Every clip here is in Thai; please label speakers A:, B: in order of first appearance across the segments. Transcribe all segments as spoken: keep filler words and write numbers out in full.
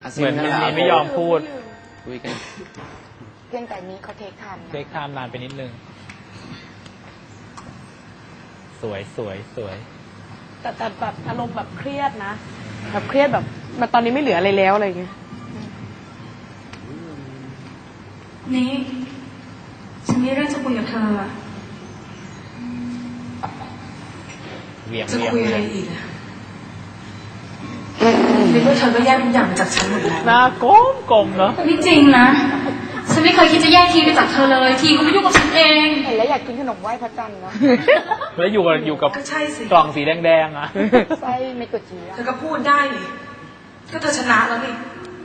A: เหมือนมินนี่ไม่ยอมพูด
B: คุยกัน
C: เพียงแต่นี้เขาเทคไทม์
A: เทคไทม์นานไปนิดนึงสวยสวยสวย
D: แต่แต่แบบอารมณ์แบบเครียดนะแบบเครียดแบบมันตอนนี้ไม่เหลืออะไรแล้วอะไรเงี้ย
E: นี่ฉันมีเรื่องจะคุยกับเธอ
A: เวียง
E: จะ
A: เวียง
E: คุยอะไรอีกอะนึกว่าเธอก็แยกทุกอย่างจากฉันหมดแล้ว
A: หน้ากลมกลมเนาะ
E: ไม่จริงนะฉันไม่เคยคิดจะแยกทีไปจากเธอเลยทีก็ไม่ยุ่งกับฉันเอง
C: เห็นแล้วอยากกินขนมไหว้พระจันทร์เนาะ
A: แล้วอยู่กับอยู่กับกล่องสีแดงๆอ่ะ
C: ไส้ไม่กดจี
E: เธอก็พูดได้นี่ก็เธอชนะแล้วนี่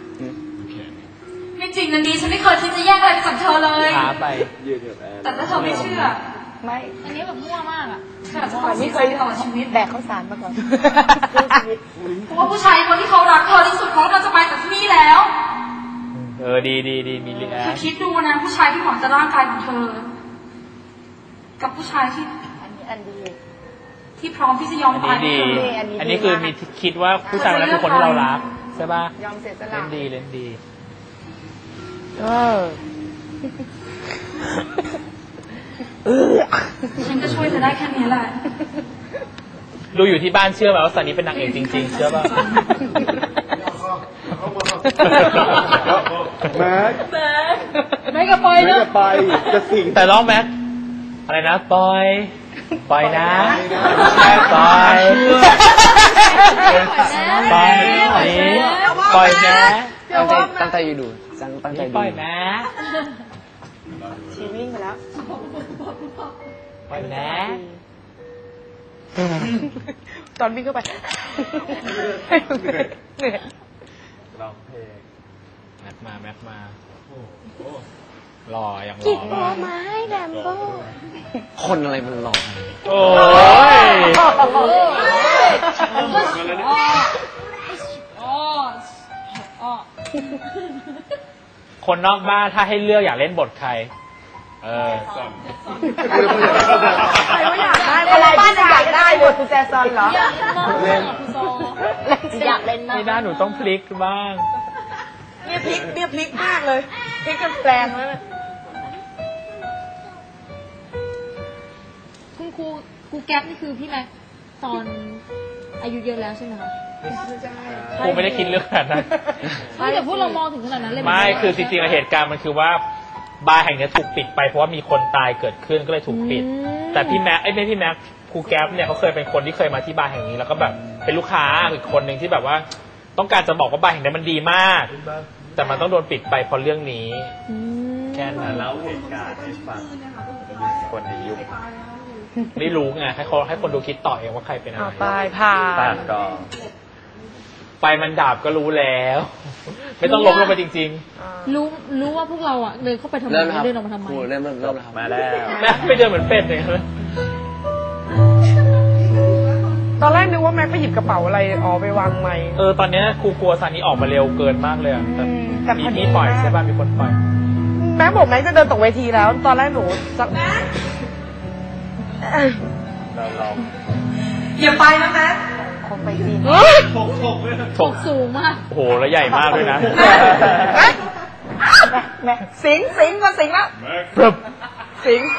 E: ไม่จริงนะดีฉันไม่เคยคิดจะแยกอะไรจากเธอเลย
A: ช้าไป
E: แต่ถ้าเธอไม่เชื่อ
C: ไม่
E: อันนี้แบบมั่วมากอ่ะแบบ
C: ไม่เคยต่อชีวิตแบกข้าวสารมาก่อน
E: เพราะว่าผู้ชายคนที่เขารักเธอที่สุดเขาเราจะไปจากที่นี่แล้ว
A: เออดีดีดีมีเรีย
E: เธอคิดดูนะผู้ชายที่หวังจะร่างกายของเธอกับผู้ชายที่
C: อันนี้อันดี
E: ที่พร้อมที่จะยอมตาย
A: ดีอันนี้คือมีคิดว่าผู้ชายคนนั้นคือคนที่เรารักใช่ป่ะ
C: ยอมเสียสละ
A: เล่นดีเล่นดี
C: เออ
E: ฉันจะช่วยเธอได้แค่นี้แหละ
A: ดูอยู่ที่บ้านเชื่อไหมว่าซันนี่เป็นนางเอกจริงๆเชื่อป่ะ
F: แม็ก
E: แม็กกับปอยเนอะ
F: ไปจะสิง
A: แต่ร้องแม็กอะไรนะปอยปอยนะปอยปอยนี่ปอยนะ
B: ตั้งใจตั้งใจอยู่ดูตั้งใจดู
A: ปอยนะ
C: ชีวิ่งไปแล้ว
A: ปอยนะ
D: ตอนวิ่งเข้าไปเหนื่อย
A: ร้องเพลงแม็กมาแม็กมาหล่ออย่างหล่อ
C: กินโบไม้แดมโบ
B: คนอะไรมันหล่อ
A: โอ้ยคนนอกบ้านถ้าให้เลือกอยากเล่นบทใครเออ
C: ใครว่าอยากได้อะไรบ้านอยากได้บทคุณแจซอนเหรอ
A: เล่น
C: อยากเล่นนะ
A: ไม่ได้หนูต้องพลิกบ้าง
D: เนี่ยพลิกเนี่ยพลิกมากเลยพลิกกันแปลงแล้ว
G: คุณครูครูแก๊ปนี่คือพี่แม็กตอนอายุเยอะแล้วใช่ไหมคะ
A: ครูไม่ได้คิดเรื่องขนาดนั้น
G: ไม่แต่พวกเรามองถึงขนาดนั้นเลย
A: ไม่คือจริงๆเหตุการณ์มันคือว่าบาร์แห่งนี้ถูกปิดไปเพราะว่ามีคนตายเกิดขึ้นก็เลยถูกปิดแต่พี่แม็กไอ้ไม่พี่แม็กครูแก๊ปเนี่ยเขาเคยเป็นคนที่เคยมาที่บาร์แห่งนี้แล้วก็แบบเป็นลูกค้าอีกคนหนึ่งที่แบบว่าต้องการจะบอกว่าบาร์แห่งนี้มันดีมากแต่มันต้องโดนปิดไปเพราะเรื่องนี้แค่นั้นแล้วเหตุการณ์ให้ฟังคนในยุคไม่รู้ไงให้เขาให้คนดูคิดต่อเองว่าใครเป็นอะไร
D: ตายผ่า
A: ตายก็ไฟมันดับก็รู้แล้วไม่ต้องลบลงไปจริง
G: ๆรู้รู้ว่าพวกเราอ่ะเดินเข้าไปทำไมเดินออกมาทำไม
B: เริ่มเริ่มเริ่มแล้ว
A: มาแล้วแม่ไปเดินเหมือนเป็ดเลย
D: ตอนแรกนึกว่าแม็กไปหยิบกระเป๋าอะไรอ๋อไปวางไม้
A: เออตอนนี้ครูกลัวซานี้ออกมาเร็วเกินมากเลยแต่มีที่ปล่อยใช่ป่ะมีคนปล่อย
D: แม็กบอกแม็กจะเดินตกเวทีแล้วตอนแรกหนูจะ
A: เราเรา
E: อย่าไปนะแม็ก
C: คงไปดี
A: ถกถก
G: ถกสูงมาก
A: โอ้โหแล้วใหญ่มากด้วยนะ
D: แม็กสิงสิงมาสิงแล้วสิง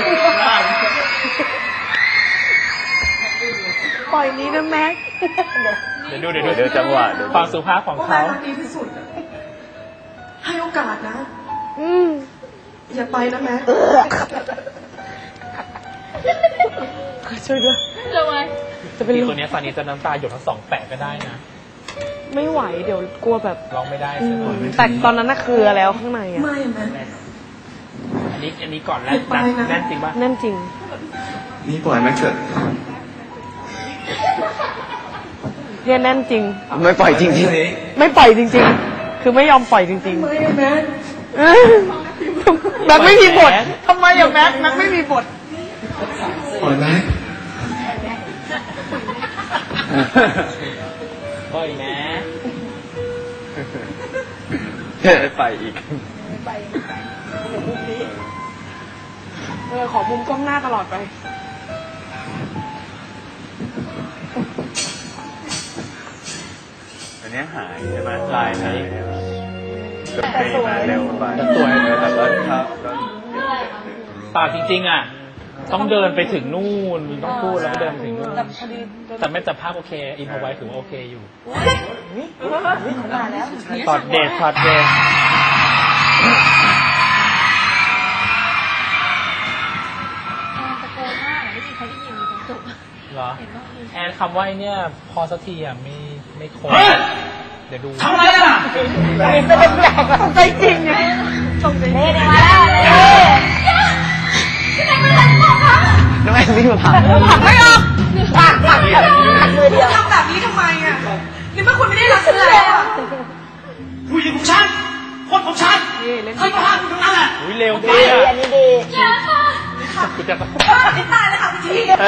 D: ปล่อยนี้นะแม็ก
A: เดี๋ยวดูเดี๋ยวดูเดี๋ยวจังหวะความสุภาพของเขา
E: ดีที่สุดให้โอกาสนะ
D: อืม
E: อย่าไปนะแม็ก
D: ช่วยด้วย
G: ทำไม
A: จะเป็นตัวนี้ซานี้จะน้ำตาหยดทั้งสองแปะก็ได้นะ
D: ไม่ไหวเดี๋ยวกลัวแบบ
A: ร้องไม่ได้ใช่ไหม
D: แต่ตอนนั้นน่ะคือแล้วข้างในอ่ะ
E: ไม่แม็ก
A: อันนี้อันนี้ก่อนแน่นแน่นจริงป่ะ
D: แน่นจริง
F: นี่ปล่อยแม็กเถอะ
D: เนี่ยแน่นจริง
B: ไม่ปล่อยจริงจริง
D: ไม่ปล่อยจริงๆคือไม่ยอมปล่อยจริงๆ
E: ไม่แม็ก
D: แม็กไม่มีบททำไมอะแม็กแม็กไม่มีบท
F: ปล่อยไหม
A: ปล่อยนะ
B: ไปอีก
D: ไปเออขอมุมกล้องหน้าตลอดไป
H: นนี้หายใช่ไหมลายหายก็เปย์มาเร็วไปแต่สวยแต่ก็ครับก็
A: ปากจริงๆอ่ะต้องเดินไปถึงนู่นต้องพูดแล้วก็เดินไปถึงนู่นแต่ไม่แต่ภาพโอเคอินพอไว้ถือว่าโอเคอยู่
C: มาแล้ว
A: ตอดเดทตอดเดท
G: ตะโกนมากไม่มีใครได้ยินตรงจบ
A: เหรอ
G: เห็นว่า
A: แอนคำว่าไอ้เนี่ยพอสักทีอ่ะไม่ไม่คงเดี๋ยวดู
C: ทำอะไรอ่ะจะเป็นแบบสนใจจริงไงสนใจเน่เน่มาแล้วเน่
B: น้องแอนวิ่งมาผ่าน
C: ผักไม่ออกผักผักผักมือเดียว
I: ทำแบบนี้ทำไมอ่ะนี่เมื่อคุณไม่ได้รักฉันแล้วอ่ะผู้หญิงของฉันคนของฉันเคยมาหาคุณตรงนั้นแหละ
A: อุ้ยเร็ว
C: ดี
A: ดีอ่ะ
C: อันนี้ดี
A: กูจะ
I: ไม่ตายเลยค่ะพี่ที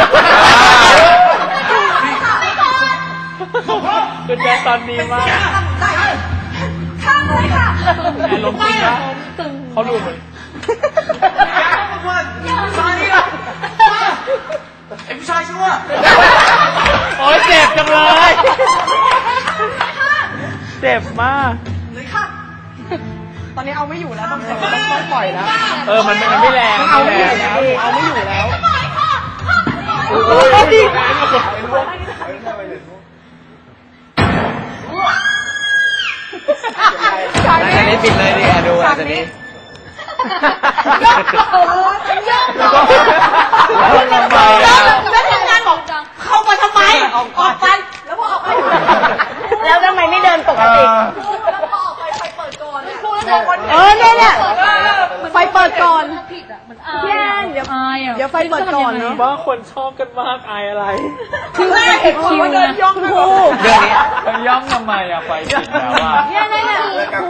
A: กูจะตอนดีมาก
I: ข้ามเลยค่ะ
A: แอนลมจริงนะเขาดูเหมือน
I: ตอนนี้อ่ะไอ้ผู้ชายชั่ว
A: โอ๊ยเจ็บจังเลย เจ็บมาก
I: เลยค่ะ
D: ตอนนี้เอาไม่อยู่แล้วต้องต้องปล่อยแล้ว
A: เออ มันมันไม่แรง
D: เอาไม่อยู่
A: แรง
D: แล้วเอาไม่อยู่แล้ว
A: โอ้ย
B: อาจจะนี้ปิดเลยดิดูอาจจะนี้
C: แล้วทำงานบอกเข้ามาทำไมออกไปแล้วพอออกไปแล้วทำไมไม่เดินปกติ
I: แล้วพอออกไปไฟเปิดก่อนเนี่ย
C: เออเนี่ยเนี่ย
D: ไฟเปิดก่อน
G: ผิดอ่ะมันอาย
C: พี่แอนเดี๋ยว
G: อายอ่ะ
D: เดี๋ยวไฟเปิดก่อนเนาะ
A: ว่าคนชอบกันมากอายอะไร
C: คือแม่เห็นคิวเดินย่องครู
B: เรื่องนี้
H: มันย่อมทำไมอะไฟผิดแล้วอะ
C: เนี่ยเนี่ยเนี่ย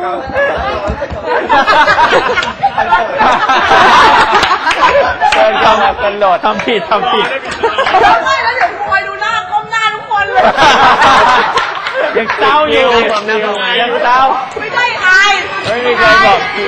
A: เดินทำกันโหลดทำผิดทำผิด
C: ไม่แล้วเดี๋ยวคอยดูหน้าก้มหน้าทุกคนเลย
A: ยังเศร้าอยู่ยังเศร้า
C: ไม่ได้อาย
A: ไม่มีใครบอกคิว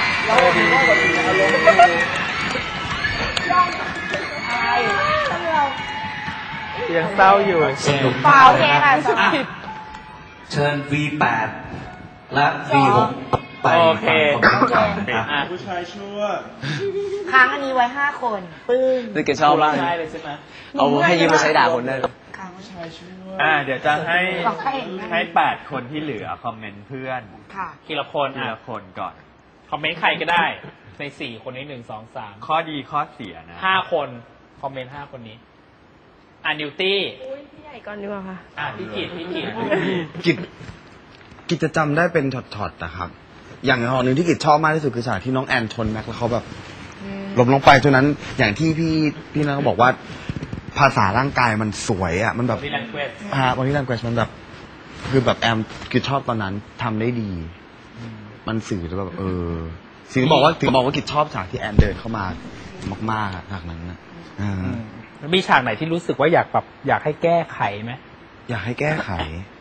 A: ยังเศร้าอยู่
C: เปล่าโอเคค่ะสอง
J: เชิญ วี แปด และ วี หก ไป
A: โอเค
J: ฟังคำตอบครับ
A: อ่ะ
F: ผู้ชายชั่ว
C: ค้างอันนี้ไว้ห้าคนปึ้ง
B: นี่แกชอบมาก
A: ได้เลยใช่ไหม
B: เอาให้ยืมมาใช้ด่าคนได้เลย
C: ค้าง
F: ผู้ชายชั่ว
H: อ่าเดี๋ยวจะให้
C: ของใครเองนะ
H: ให้แปดคนที่เหลือคอมเมนต์เพื่อน
C: ค่ะ
A: ทีละคน
H: ที
A: อ่ะ
H: ละคนก่อน
A: คอมเมนต์ใครก็ได้ ในสี่คนนี้หนึ่งสองสาม
H: ข้อดีข้อเสียนะ
A: ห้าคน คอมเมนต์ห้าคนนี้ อ่ะนิวตี้
D: พี่ใหญ่ก่อนดีกว่าค่ะ
A: อ่ะพี่กิตพี่กิต
K: กิจกิจจะจำได้เป็นช็อตๆนะครับ อย่างหอหนึ่งที่กิจชอบมากที่สุดคือฉากที่น้องแอนชนแม็กแล้วเขาแบบล้มลงไปจนนั้น อย่างที่พี่พี่นัทก็บอกว่า ภาษาร่างกายมันสวยอ่ะมันแบบ
A: บอดี้แลงเกจ
K: ฮะบอดี้แลงเกจมันแบบคือแบบแอมกิจชอบตอนนั้นทำได้ดี มันสื่อแล้วแบบเออถึงบอกว่าถึงบอกว่ากิจชอบฉากที่แอนเดินเข้ามามากๆอะฉากนั้นนะอ่า
A: แล้วมีฉากไหนที่รู้สึกว่าอยากแบบอยากให้แก้ไขไหม
K: อยากให้แก้ไข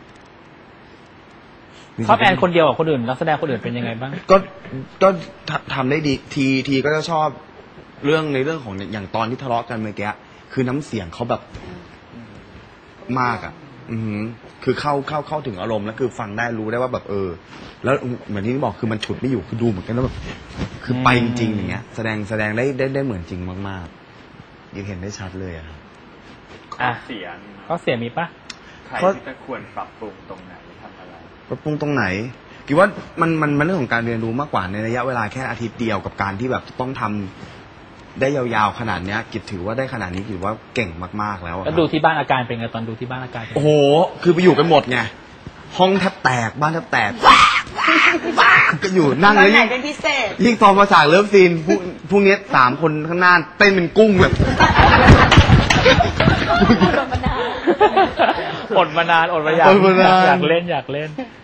A: ชอบแอนคนเดียวกับคนอื่นนักแสดงคนอื่นเป็นยังไงบ้าง
K: ก็ก็ทำทำได้ดีทีทีก็จะชอบเรื่องในเรื่องของอย่างตอนที่ทะเลาะกันเมื่อกี้คือน้ำเสียงเขาแบบมากอ่ะ อือหือคือเข้าเข้าเข้าถึงอารมณ์แล้วคือฟังได้รู้ได้ว่าแบบเออ แล้วเหมือนที่บอกคือมันฉุดไม่อยู่คือดูเหมือนกันแล้วแบบคือไปจริงๆอย่างเงี้ย แสดงแสดงได้ได้ได้เหมือนจริงมากๆยังเห็นได้ชัดเลยอะครับ
H: ข้อเสีย
A: ก็เสียมีปะ
H: ใครที่จะควรปรับปรุงตรงไหนทำอะไร
K: ปรับปรุงตรงไหนคิดว่ามันมันมันเรื่องของการเรียนรู้มากกว่าในระยะเวลาแค่อาทิตย์เดียวกับการที่แบบต้องทำได้ยาวๆขนาดเนี้ยกิจถือว่าได้ขนาดนี้ถือว่าเก่งมากๆแล้วอะค
A: แล้
K: รั
A: ว
K: บ
A: ดูที่บ้านอาการเป็นไงตอนดูที่บ้านอาการเป็นไง
K: โอ้โห คือไปอยู่กันหมดไง ห้องแทบแตก บ้านแทบแตกก็อยู่นั่ง
C: ตอน
K: แล้ว
C: ไหน
K: ยิ่ง
C: เป็นพิเศษ
K: ยิ่งตอนมาฉากเลิฟซีนพวกพวกเนี้ยสามคนข้างหน้าเต้นเป็นกุ้งแบบ
A: อดมานานอดมาอยาก
K: อดมานาน
A: อยากเล่นอยากเล่น